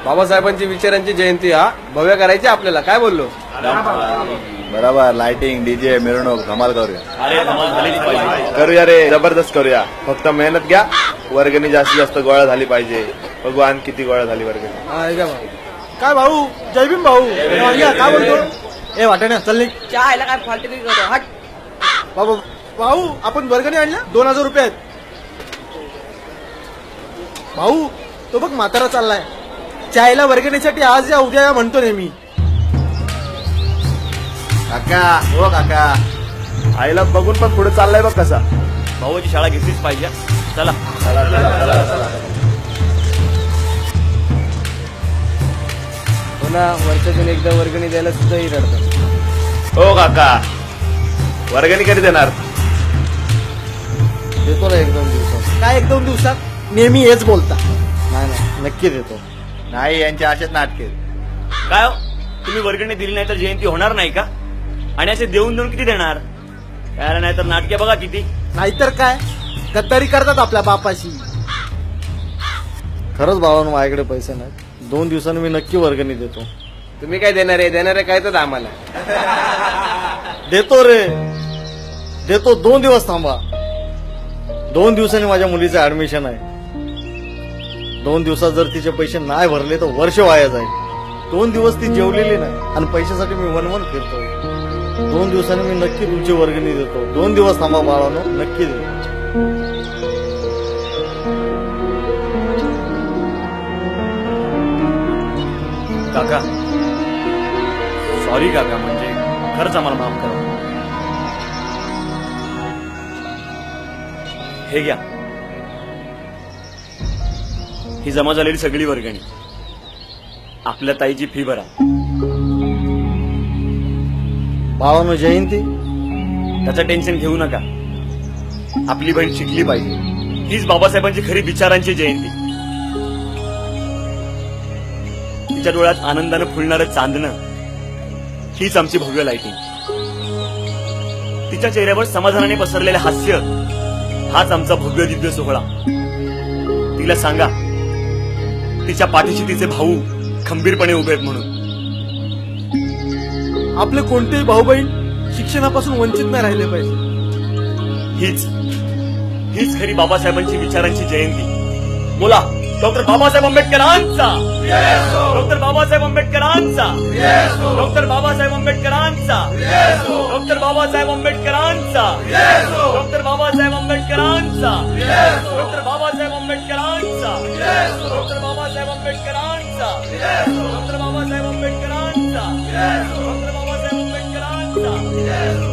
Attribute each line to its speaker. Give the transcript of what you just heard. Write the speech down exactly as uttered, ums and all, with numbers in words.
Speaker 1: बाबासाहेबांची विचारांची जयंती हा भव्य करायची आपल्याला, काय बोललो?
Speaker 2: बरोबर. लाइटिंग, डीजे, मिरवणूक धमाल करूया.
Speaker 3: अरे धमाल झालीच पाहिजे.
Speaker 2: करूया रे, जबरदस्त करूया. फक्त मेहनत घ्या. वर्गणी जास्तीत जास्त गोळा झाली पाहिजे. भगवान किती गोळा झाली वर्गणी.
Speaker 4: काय भाऊ, जय भीम भाऊ. काय बोलतो? ए वाटाण्या चल निघ.
Speaker 5: चहायला काय फालतू करतो हट.
Speaker 4: बाबा भाऊ, आपण वर्गणी आणल्या दोन हजार रुपये आहेत. भाऊ तो बघ म्हातारा चाललाय चायला वर्गणीसाठी. आज या उद्या या म्हणतो नेहमी.
Speaker 2: काका हो काका, आईला बघून पण पुढे चाललाय बघ कसा.
Speaker 3: भाऊची शाळा घेतलीच पाहिजे. चला
Speaker 1: हो ना, वर्षातून एकदा वर्गणी द्यायला सुद्धा रडतात.
Speaker 2: हो काका, वर्गणी कधी देणार?
Speaker 1: देतो ना एक दोन दिवसात.
Speaker 4: काय एक दोन दिवसात? नेहमी हेच बोलता.
Speaker 1: नाही नाही, नक्की देतो.
Speaker 2: नाही, यांच्या असेच नाटके.
Speaker 3: काय हो? तुम्ही वर्गणी दिली नाही तर जयंती होणार नाही का? आणि असे देऊन देऊन किती देणार? काय नाही तर नाटके बघा किती.
Speaker 4: नाहीतर काय, गद्दारी करतात आपल्या बापाशी.
Speaker 1: खरंच भावानं माझ्याकडे पैसे नाहीत. दोन दिवसांनी मी नक्की वर्गणी देतो. तुम्ही काय देणार आहे? देणार आहे काय तर आम्हाला.
Speaker 6: देतो रे, देतो. दोन दिवस थांबा. दोन दिवसांनी माझ्या मुलीचं ऍडमिशन आहे. दोन दिवसात जर तिचे पैसे नाही भरले तर वर्ष वाया जाईल. दोन दिवस ती जेवलेली नाही आणि पैशासाठी मी वनवन फिरतो. दोन दिवसांनी मी नक्की तुमची वर्गणी देतो. दोन दिवस थांबा बाळानो, नक्की देतो.
Speaker 3: काका सॉरी काका, म्हणजे खरंच आम्हाला माफ करा. हे घ्या, ही जमा झालेली सगळी वर्गणी. आपल्या ताईची फी भरा.
Speaker 6: बाळानो जयंती,
Speaker 3: त्याचं टेन्शन घेऊ नका. आपली बहीण शिकली पाहिजे. हीच बाबासाहेबांची खरी विचारांची जयंती. तिच्या डोळ्यात आनंदानं फुलणारं चांदणं हीच आमची भव्य लाइटिंग. तिच्या चेहऱ्यावर समाधानाने पसरलेलं हास्य हाच आमचा भव्य दिव्य सोहळा. तिला सांगा तिच्या पाठीशी तिचे भाऊ खंबीरपणे उभे आहेत म्हणून.
Speaker 4: आपले कोणतेही भाऊ बहीण शिक्षणापासून वंचित नाही राहिले पाहिजे.
Speaker 3: हीच हीच खरी बाबासाहेबांची विचारांची जयंती. बोला डॉक्टर बाबासाहेब आंबेडकरांचा, डॉक्टर बाबासाहेब आंबेडकरांचा, डॉक्टर बाबासाहेब आंबेडकरांचा, डॉक्टर बाबासाहेब आंबेडकरांचा, डॉक्टर बाबासाहेब आंबेडकरांचा, डॉक्टर बाबासाहेब आंबेडकरांचा, डॉक्टर बाबासाहेब आंबेडकरांचा, डॉक्टर बाबासाहेब आंबेडकरांचा, डॉक्टर बाबासाहेब आंबेडकरांचा.